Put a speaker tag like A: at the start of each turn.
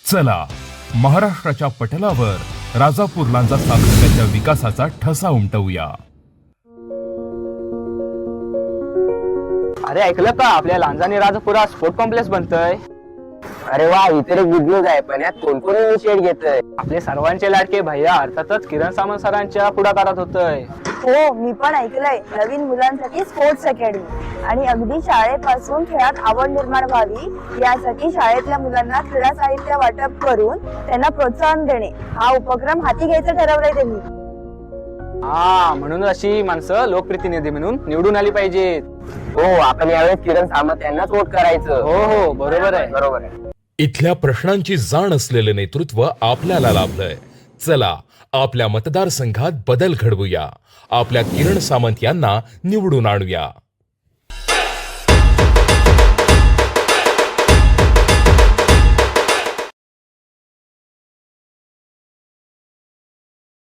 A: चला महाराष्ट्राच्या पटलावर राजापूर लांजा तालुक्याच्या विकासाचा ठसा उमटवूया।
B: अरे ऐकलं का, आपल्या लांजा आणि राजापुरात स्पोर्ट कॉम्प्लेक्स बनतय।
C: अरे वा, इतर गुड न्यूज आहे, पण यात कोण कोण इनिशिएट घेतय?
B: आपले सर्वांचे लाडके भैया अर्थातच किरण सामंत सरांच्या पुढाकारात होतय।
D: हो, मी पण ऐकलंय नवीन मुलांसाठी स्पोर्ट्स अकॅडमी आणि अगदी शाळेपासून खेळात आवड निर्माण व्हावी यासाठी शाळेतल्या मुलांना क्रीडा साहित्य वाटप करून त्यांना प्रोत्साहन देणे हा उपक्रम हाती घ्यायचं ठरवलंय त्यांनी।
B: हा, म्हणून अशी माणसं लोकप्रतिनिधी म्हणून निवडून आली पाहिजेत।
C: हो, आपण यावेळेस किरण सामंत यांनाच वोट करायचं।
B: हो हो, बरोबर आहे,
C: बरोबर आहे।
A: इथल्या प्रश्नांची जाण असलेले नेतृत्व आपल्याला लाभलंय। चला आपल्या मतदारसंघात बदल घडवूया, आपल्या किरण सामंत यांना निवडून आणूया।